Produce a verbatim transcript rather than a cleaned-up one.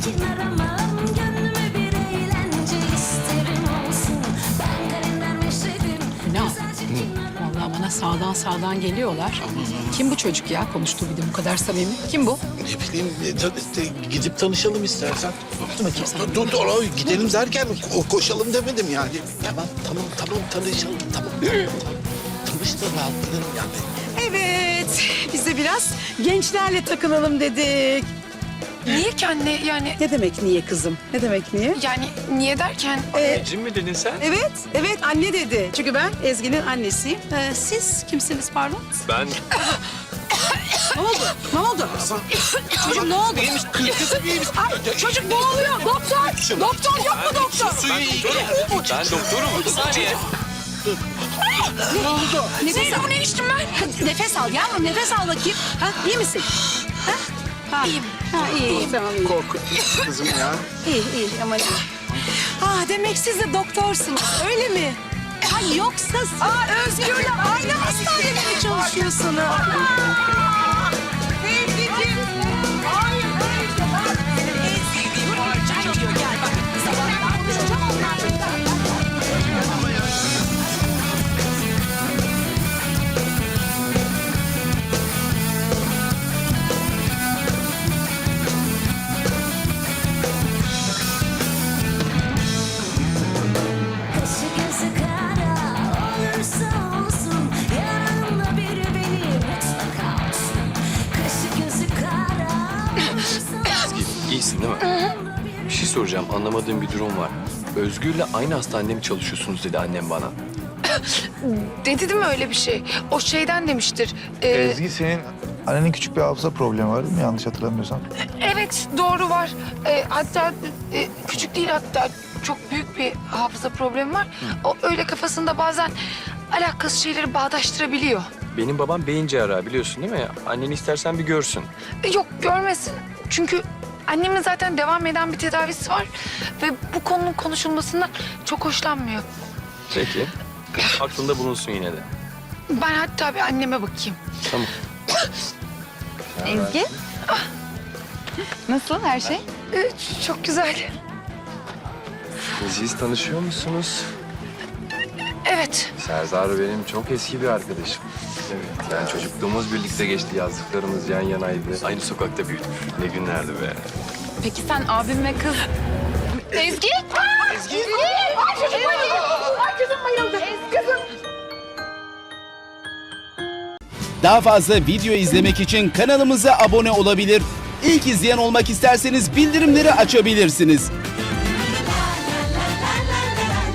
Sakin aramam, gönlüme bir eğlence isterim olsun. Ben kalender meşredim. Ne? Vallahi bana sağdan sağdan geliyorlar. Kim bu çocuk ya? Konuştuğu bir de bu kadar samimi. Kim bu? Ne bileyim e, ta- ta- gidip tanışalım istersen. Dur bakayım sen. Dur dur, dur gidelim derken ko- koşalım demedim yani. Tamam tamam tamam tanışalım tamam. Tanıştır rahatlayalım yani. Evet, biz de biraz gençlerle takılalım dedik. Niye ki anne yani Ne demek niye kızım? Ne demek niye? yani niye derken Anneciğim mi dedin sen? Evet, evet anne dedi. Çünkü ben Ezgi'nin annesiyim. Ee, siz kimsiniz pardon? Ben Ne oldu? Ne oldu? Çocuk ne oldu? İyiymiş kız iyiymiş. Ay, çocuk boğuluyor. Doktor! Doktor yok mu doktor? Suyu iyi. ben doktorum. Bir saniye. Nefes al. Ne içtim ben? Nefes al yavrum, nefes al bakayım. Ha, iyi misin? Ha? Ha. İyiyim. Ha, iyi, iyi, tamam iyi. Korkutmuş kızım ya. İyi, iyi ama iyi. Ah, demek siz de doktorsunuz, öyle mi? Ay yoksa... Aa, Özgür'le aynı hastanede mi çalışıyorsunuz? Sevgicim. Hayır, hayır. Ezgi'nin parça diyor, gel bak. Sabah konuşacağım onlarla. Kaşı gözü kara olursa olsun, yanımda biri benim mutlaka olsun. Kaşı gözü kara olursa olsun. İyisin değil mi? Bir şey soracağım. Anlamadığım bir durum var. Özgür'le aynı hastanede mi çalışıyorsunuz dedi annem bana. dedi değil mi öyle bir şey? O şeyden demiştir. Ee, Ezgi senin annenin küçük bir hafıza problemi var değil mi? Yanlış hatırlamıyorsam. evet doğru var. Ee, hatta e, küçük değil hatta çok büyük bir hafıza problemi var. O öyle kafasında bazen alakasız şeyleri bağdaştırabiliyor. Benim babam beyin cerrahı biliyorsun değil mi? Anneni istersen bir görsün. E, yok görmesin. Çünkü annemin zaten devam eden bir tedavisi var. Ve bu konunun konuşulmasından çok hoşlanmıyor. Peki. Aklında bulunsun yine de. Ben hatta bir anneme bakayım. Tamam. Ezgi? Nasıl her şey? Ee, çok güzel. Siz tanışıyor musunuz? Evet. Serdar benim çok eski bir arkadaşım. Evet. Yani çocukluğumuz birlikte geçti. Yazdıklarımız yan yanaydı. Aynı sokakta büyüdük. Ne günlerdi be. Peki sen abim ve kız... Ezgi? Ezgi. Ay çocuk bayıldı. Ay kızım bayıldı. Kızım. Daha fazla video izlemek için kanalımıza abone olabilir. İlk izleyen olmak isterseniz bildirimleri açabilirsiniz.